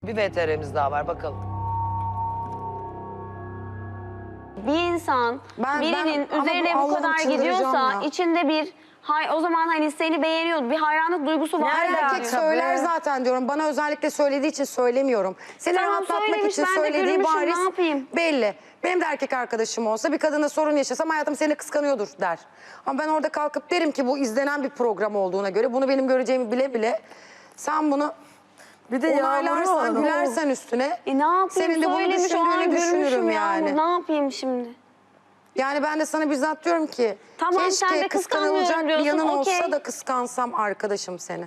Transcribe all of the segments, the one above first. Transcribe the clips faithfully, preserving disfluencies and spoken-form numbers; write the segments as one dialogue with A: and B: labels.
A: Bir V T R'miz daha var, bakalım.
B: Bir insan
C: Ben-
B: birinin
C: ben- ama
B: üzerine
C: bu
B: bu
C: Allah'ım
B: kadar
C: çıldıracağım
B: gidiyorsa
C: ya.
B: içinde bir hay o zaman hani seni beğeniyordu, bir hayranlık duygusu var.
C: Her
B: ya.
C: erkek söyler zaten diyorum. Bana özellikle söylediği için söylemiyorum. Seni
B: Tamam,
C: rahatlatmak
B: söylemiş,
C: için
B: ben de
C: söylediği
B: görmüşüm,
C: bariz
B: ne yapayım?
C: belli. Benim de erkek arkadaşım olsa bir kadına sorun yaşasam hayatım seni kıskanıyordur der. Ama ben orada kalkıp derim ki bu izlenen bir program olduğuna göre bunu benim göreceğimi bile bile sen bunu
D: Bir de
C: onaylarsan,
D: Yağmur'u
C: gülersen üstüne
B: E ne yapayım?
C: senin de bunu
B: Söylemiş, o an
C: düşündüğünü
B: görmüşüm
C: düşünürüm
B: Yağmur.
C: yani.
B: Ne yapayım şimdi?
C: Yani ben de sana bizzat diyorum ki
B: Tamam, sen
C: keşke
B: de
C: kıskanılacak
B: kıskanmıyorum
C: bir yanın
B: diyorsun,
C: olsa
B: okey.
C: da kıskansam arkadaşım seni.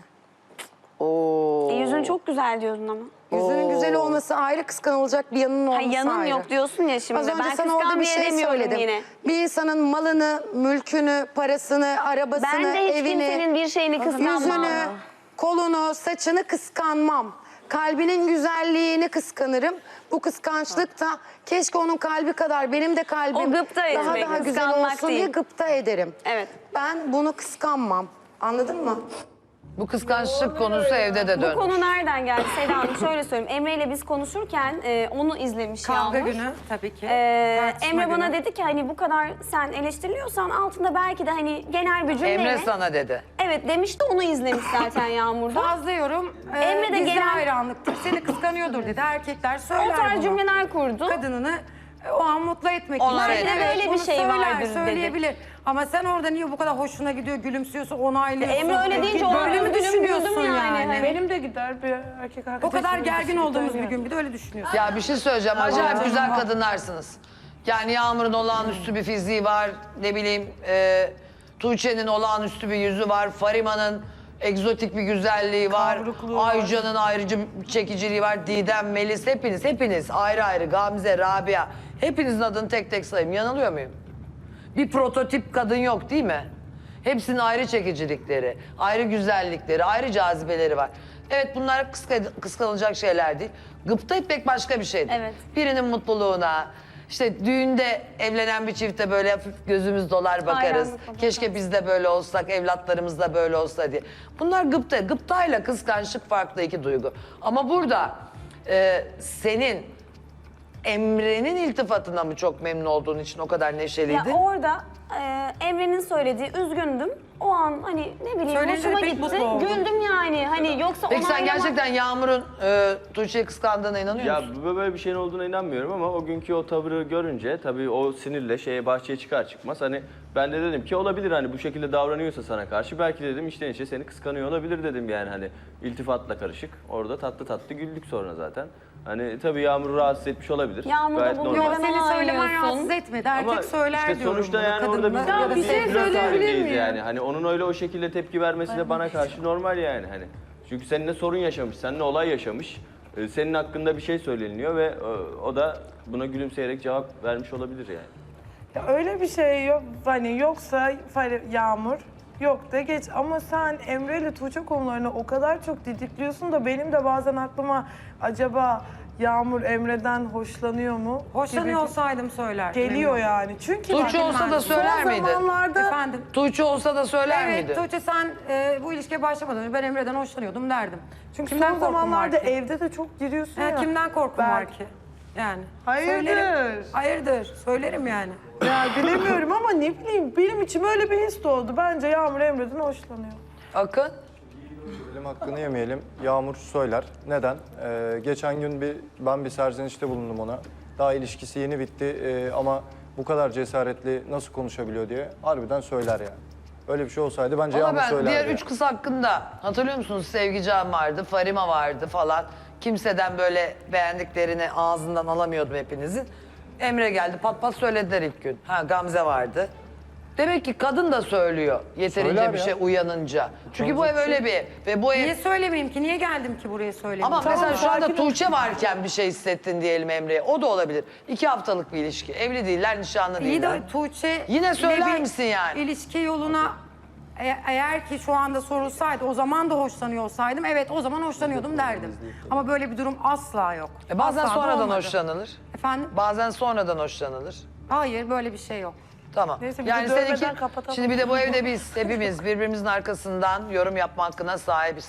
A: Oo.
B: E, yüzün çok güzel diyordun ama.
C: Yüzünün güzel olması ayrı, kıskanılacak bir yanının
B: Ha,
C: olması
B: yanım
C: ayrı.
B: yok diyorsun ya şimdi.
C: Az önce
B: Ben
C: sana orada
B: kıskan
C: bir
B: diye
C: şey
B: demiyorum
C: söyledim.
B: yine.
C: Bir insanın malını, mülkünü, parasını, arabasını,
B: Ben de hiç
C: evini,
B: kimsenin bir şeyini kıskanmam.
C: yüzünü, kolunu, saçını kıskanmam. Kalbinin güzelliğini kıskanırım. Bu kıskançlık da keşke onun kalbi kadar benim de kalbim
B: O gıpta
C: daha
B: etmek,
C: daha güzel
B: kıskanmak
C: olsun
B: değil.
C: diye gıpta ederim.
B: Evet.
C: Ben bunu kıskanmam. Anladın mı?
A: Bu kıskançlık konusu evde de
B: Bu
A: dönmüş.
B: konu nereden geldi Seda Hanım? Şöyle söyleyeyim. Emre ile biz konuşurken e, onu izlemiş
D: Kavga
B: Yağmur.
D: günü tabii ki.
B: Ee,
D: Tartışma
B: Emre bana
D: günü.
B: dedi ki hani bu kadar sen eleştiriliyorsan altında belki de hani genel bir cümleyle.
A: Emre sana dedi.
B: Evet demişti, onu izlemiş zaten Yağmur'da.
D: Fazla yorum e,
B: Emre de
D: gizli
B: genel-
D: hayranlıktır. Seni kıskanıyordur dedi. Erkekler
B: O
D: söyler
B: tarz
D: bunu.
B: cümleler kurdu.
D: Kadınını e, o an mutlu etmek
A: Onlar
D: için.
A: Belki de
B: böyle bir
D: bunu
B: şey
D: söyler,
B: vardır dedi.
D: söyleyebilir. Ama sen orada niye bu kadar hoşuna gidiyor, gülümsüyorsun, onaylıyorsun.
B: Emre öyle deyince o
D: Böyle
B: an
D: mi
B: üzgünüm,
D: düşünüyorsun
B: güldüm yani.
D: yani?
B: Hani-
E: Benim de gider bir erkek
D: O
E: arkadaşım.
D: kadar gergin
E: gider
D: olduğumuz bir
E: yani.
D: gün bir de öyle düşünüyorsun.
A: Ya bir şey söyleyeceğim. Acayip
D: Allah'ım.
A: güzel kadınlarsınız. Yani Yağmur'un olağanüstü bir fiziği var. Ne bileyim e, Tuğçe'nin olağanüstü bir yüzü var. Farima'nın egzotik bir güzelliği var.
E: Kavrukluğu var.
A: Ayca'nın ayrıcı bir çekiciliği var. Didem, Melis, hepiniz, hepiniz ayrı ayrı. Gamze, Rabia. Hepinizin adını tek tek sayayım. Yanılıyor muyum? Bir prototip kadın yok değil mi? Hepsinin ayrı çekicilikleri, ayrı güzellikleri, ayrı cazibeleri var. Evet, bunlar kıska- kıskanılacak şeyler değil. Gıpta etmek başka bir şeydir.
B: Evet.
A: Birinin mutluluğuna, işte düğünde evlenen bir çifte böyle hafif gözümüz dolar bakarız.
B: Hayranlıkla
A: Keşke biz de böyle olsak, evlatlarımız da böyle olsa diye. Bunlar gıpta. Gıptayla kıskançlık farklı iki duygu. Ama burada e, senin Emre'nin iltifatına mı çok memnun olduğun için o kadar
B: Ya
A: neşeliydin?
B: orada e, Emre'nin söylediği üzgündüm. O an hani ne bileyim
D: Söyleyince
B: hoşuma
D: pek
B: gitti.
D: mutlu oldum.
B: Güldüm yani. Hani yoksa
A: Peki sen
B: onaylama-
A: gerçekten Yağmur'un e, Tuğçe'yi kıskandığına inanıyor
F: Ya
A: musun?
F: bu- böyle bir şeyin olduğuna inanmıyorum ama o günkü o tavırı görünce tabii o sinirle şeye bahçeye çıkar çıkmaz hani ben de dedim ki olabilir hani bu şekilde davranıyorsa sana karşı belki dedim içten içe seni kıskanıyor olabilir dedim yani hani iltifatla karışık. Orada tatlı tatlı güldük sonra zaten. Hani tabii Yağmur'u rahatsız etmiş olabilir.
B: Yağmur da
F: Gayet
B: bunu
F: normal.
B: Neden
D: Yok seni söylemen
B: ağlıyorsun?
D: rahatsız etmedi. Erkek
F: Ama
D: söyler
F: işte
D: diyorum
F: sonuçta
D: bunu,
F: yani orada biz
D: kadınlar ya da
F: bir
E: bir şey
F: flört
E: söyleyebilir
F: halindeyiz
E: miyim?
F: yani. Hani onun öyle o şekilde tepki vermesi de bana karşı normal yani hani. Çünkü seninle sorun yaşamış, seninle olay yaşamış. Ee, Senin hakkında bir şey söyleniyor ve e, o da buna gülümseyerek cevap vermiş olabilir yani.
E: Ya öyle bir şey yok. Hani yoksa Fare- Yağmur yok da geç. Ama sen Emre ile Tuğçe konularını o kadar çok didikliyorsun da benim de bazen aklıma acaba Yağmur Emre'den hoşlanıyor mu?
D: Hoşlanıyor
E: gibi
D: olsaydım söylerdim.
E: Geliyor
D: eminim.
E: yani. Çünkü
A: Tuğçe
E: bak,
A: olsa da
E: son
A: söyler miydi?
E: zamanlarda
D: Efendim?
A: Tuğçe olsa da söyler
D: Evet
A: miydi?
D: Tuğçe sen e, bu ilişkiye başlamadan önce ben Emre'den hoşlanıyordum derdim.
E: çünkü
D: Kimden
E: son
D: korkum var
E: zamanlarda
D: ki?
E: evde de çok giriyorsun
D: Ha,
E: ya.
D: kimden korkum
E: Ben-
D: var ki? Yani.
E: Hayırdır?
D: Söylerim. Hayırdır. Söylerim yani.
E: Ya bilemiyorum ama ne bileyim benim içim öyle bir his doğdu. Bence Yağmur Emre'den hoşlanıyor.
A: Akın?
G: Elim hakkını yemeyelim. Yağmur söyler. Neden? Ee, geçen gün bir ben bir serzenişte bulundum ona. Daha ilişkisi yeni bitti ee, ama bu kadar cesaretli nasıl konuşabiliyor diye harbiden söyler yani. Öyle bir şey olsaydı bence
A: Ama
G: Yağmur
A: ben
G: söylerdi.
A: diğer
G: yani.
A: üç kız hakkında hatırlıyor musunuz? Sevgican vardı, Farima vardı falan. Kimseden böyle beğendiklerini ağzından alamıyordum hepinizin. Emre geldi, pat pat söylediler ilk gün. Ha, Gamze vardı. Demek ki kadın da söylüyor yeterince
G: Söyler
A: bir
G: ya.
A: şey uyanınca. Çünkü bu ev öyle bir ev ve bu ev...
D: Niye söylemeyeyim ki? Niye geldim ki buraya söylemeyeyim?
A: Ama
E: Tamam,
A: mesela şu anda
E: sakin ol.
A: Tuğçe varken bir şey hissettin diyelim Emre'ye. O da olabilir. İki haftalık bir ilişki. Evli değiller, nişanlı
D: İyi
A: değiller.
D: de Tuğçe...
A: Yine söyler
D: ile bir
A: misin yani?
D: İlişki yoluna e- eğer ki şu anda sorulsaydı o zaman da hoşlanıyor olsaydım evet o zaman hoşlanıyordum derdim. Ama böyle bir durum asla yok.
A: E bazen
D: Asla da
A: sonradan
D: olmadı.
A: hoşlanılır.
D: Efendim?
A: Bazen sonradan hoşlanılır.
D: Hayır böyle bir şey yok.
A: Tamam.
E: Neyse, bizi
A: yani
E: dövmeden
A: seninki,
E: kapatalım.
A: şimdi bir de bu evde biz hepimiz birbirimizin arkasından yorum yapma hakkına sahibiz.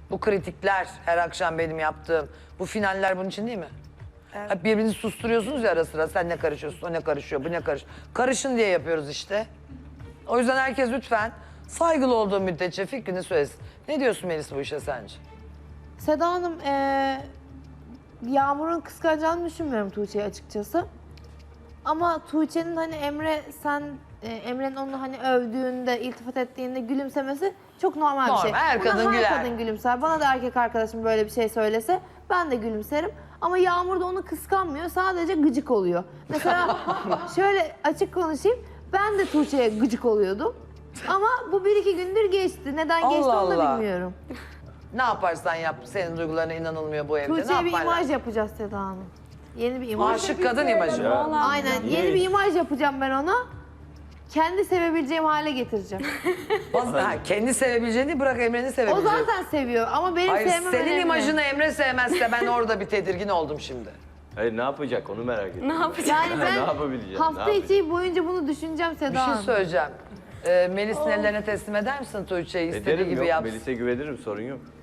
A: Bu kritikler her akşam benim yaptığım. Bu finaller bunun için değil mi? Hep birbirinizi susturuyorsunuz ya ara sıra. Sen ne karışıyorsun, o ne karışıyor, bu ne karış. Karışın diye yapıyoruz işte. O yüzden herkes lütfen saygılı olduğu müddetçe fikrini söylesin. Ne diyorsun Melis bu işe sence?
H: Seda Hanım, eee, Yağmur'un kıskanacağını düşünmüyorum Tuğçe'yi açıkçası. Ama Tuğçe'nin hani Emre sen, e, Emre'nin onu hani övdüğünde, iltifat ettiğinde gülümsemesi çok normal, bir şey.
A: Normal, her
H: Buna
A: kadın
H: her
A: güler.
H: kadın gülümser. Bana da erkek arkadaşım böyle bir şey söylese ben de gülümserim. Ama Yağmur da onu kıskanmıyor, sadece gıcık oluyor. Mesela şöyle açık konuşayım, ben de Tuğçe'ye gıcık oluyordum. Ama bu bir iki gündür geçti. Neden
A: Allah
H: geçti onu da
A: Allah.
H: bilmiyorum.
A: Ne yaparsan yap, senin duygularına inanılmıyor bu evde. Ne
H: Tuğçe'ye bir
A: yapman
H: imaj
A: lazım?
H: yapacağız Seda Hanım. Yeni bir imaj.
A: Aşık kadın imajı.
H: Aynen. Yeni bir imaj yapacağım ben ona. Kendi sevebileceğim hale getireceğim.
A: Ha, kendi sevebileceğini bırak Emre'ni
H: O
A: sevebileceğini.
H: zaten seviyor ama benim
A: Hayır,
H: sevmem
A: senin
H: önemli.
A: imajını Emre sevmezse ben orada bir tedirgin oldum şimdi.
F: Hayır ne yapacak onu merak ediyorum.
B: Ne yapacak?
H: Yani
F: Ne
H: ben
F: yapabileceğim, ne
H: hafta
F: yapacak?
H: içi boyunca bunu düşüneceğim Seda
A: Bir şey
H: Hanım.
A: söyleyeceğim. Ee, Melis'in ellerine teslim eder misin Tuğçe'yi istediği
F: Ederim
A: gibi
F: yok.
A: yapsın?
F: Melis'e güvenirim sorun yok.